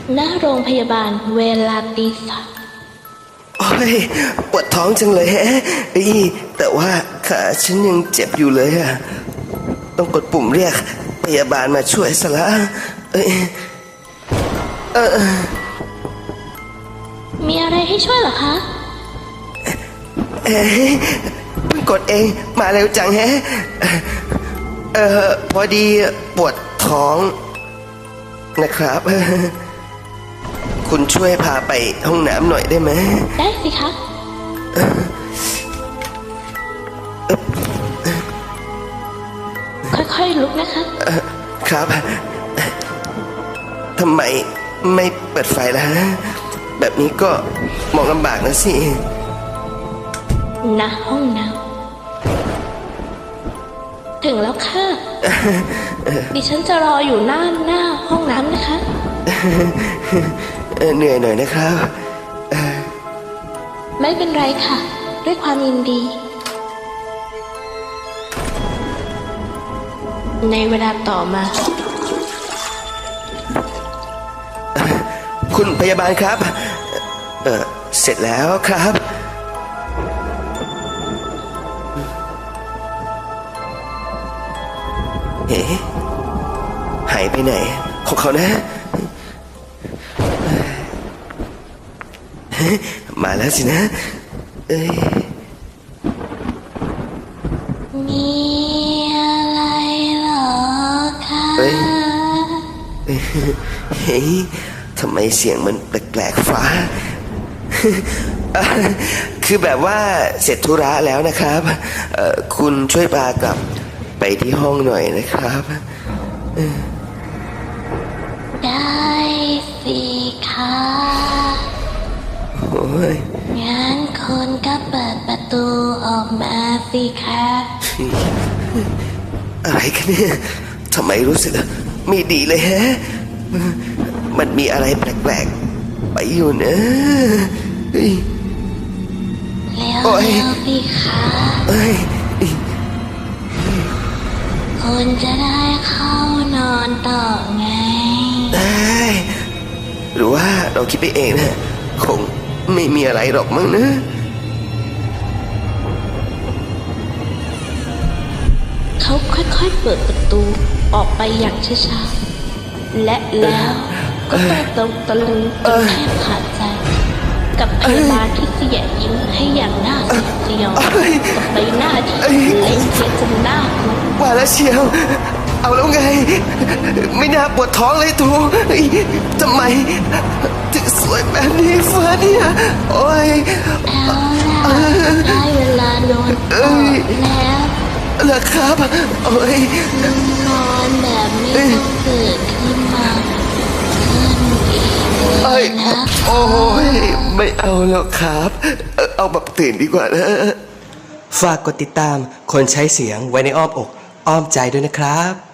ณโรงพยาบาลเวลาตี 3 โอ้ยปวดท้องจังเลยแฮะแต่ว่าขาฉันยังเจ็บอยู่เลยอะต้องกดปุ่มเรียกพยาบาลมาช่วยซะละมีอะไรให้ช่วยเหรอคะเพิ่งกดเองมาเร็วจังแฮะพอดีปวดท้องนะครับคุณช่วยพาไปห้องน้ำหน่อยได้ไหมได้สิคะค่อยๆลุกนะคะครับทำไมไม่เปิดไฟล่ะแบบนี้ก็มองลำบากนะสิณห้องน้ำถึงแล้วค่ะดิฉันจะรออยู่หน้าห้องน้ำนะคะเหนื่อยหน่อยนะครับไม่เป็นไรค่ะด้วยความยินดีในเวลาต่อมาคุณพยาบาลครับเสร็จแล้วครับเฮ้หายไปไหนของเขานะมาแล้วสินะมีอะไรหรอคะเฮ้ยทำไมเสียงมันแปลกๆฟ้าคือแบบว่าเสร็จธุระแล้วนะครับคุณช่วยพากลับไปที่ห้องหน่อยนะครับได้สิคะโอ้ยงั้นคุณก็เปิดประตูออกมาสิคะอะไรกันเนี่ยทำไมรู้สึกไม่ดีเลยฮะมันมีอะไรแปลกๆไปอยู่นะแล้วสิคะคุณจะได้เข้านอนต่อไงได้หรือว่าเราคิดไปเองนะคงไม่มีอะไรหรอกมั้งนะเขาค่อยๆเปิดประตูออกไปอย่างช้าๆและแล้วก็ต้องตะลึงจนแทบขาดใจกับพยาบาลที่เสียยิ้มให้อย่างน่าสยดสยองกับใบหน้าที่เล็งเสียจนหน้าว่าแล้วเชียวเอาแล้วไงไม่น่าปวดท้องเลยทูทำไมถึงสวยแบบนี้ฟ้าเนี่ยโอ้ยเอาล่ะได้เวลานอนต่อแล้วเหรอครับโอ้ยนอนแบบไม่ต้องตื่นขึ้นมาขึ้นอีกนะโอ้ยไม่เอาแล้วครับเอาแบบตื่นดีกว่านะฝากกดติดตามคนใช้เสียงไว้ในอ้อมอกอ้อมใจด้วยนะครับ